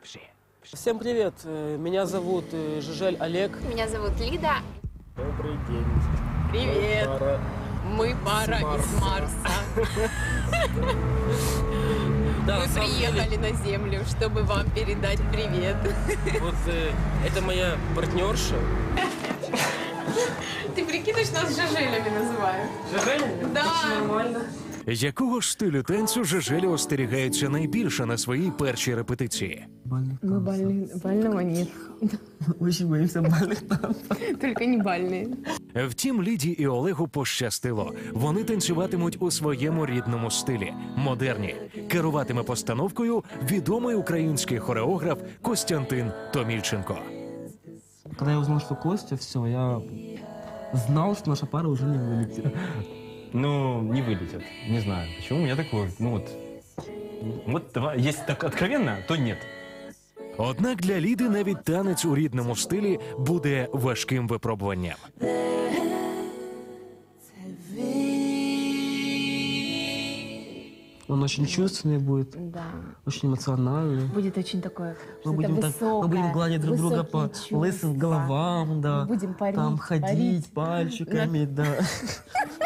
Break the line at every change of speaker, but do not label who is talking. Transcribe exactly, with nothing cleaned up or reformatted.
Всем привет, э, меня зовут э, Жижель Олег.
Меня зовут Лида.
Добрый день.
Привет.
Мы пара,
Мы пара из Марса.
Да,
Мы
на самом
приехали
деле,
на Землю, чтобы вам передать привет.
вот э, это моя партнерша.
Ты прикинешь, нас Жижелями называют?
Жижеля?
Да.
Нормально.
Якого ж стилю танцю Жижелі остерігаються найбільше на своїй першій репетиції?
Мы больны, больного нет.
Очень боимся бальных танцев.
Только не бальные.
Втім, Ліді і Олегу пощастило. Вони танцюватимуть у своєму рідному стилі – модерні. Керуватиме постановкою відомий український хореограф Костянтин Томільченко.
Когда я узнал, что Костя, все, я знал, что наша пара уже не вылетит.
Ну, не вылетят. Не знаю, почему. У меня такое, ну вот... Вот давай, если так откровенно, то нет.
Однак для Ліди навіть танець у рідному стилі буде важким випробуванням.
Он очень чувственный будет,
Да.
очень эмоциональный.
Будет очень такое,
Мы
что-то
будем, так,
высокое,
мы будем гладить друг друга по
высокие
лысым
чувства.
головам, да.
Мы будем парить,
Там ходить
парить.
пальчиками, да.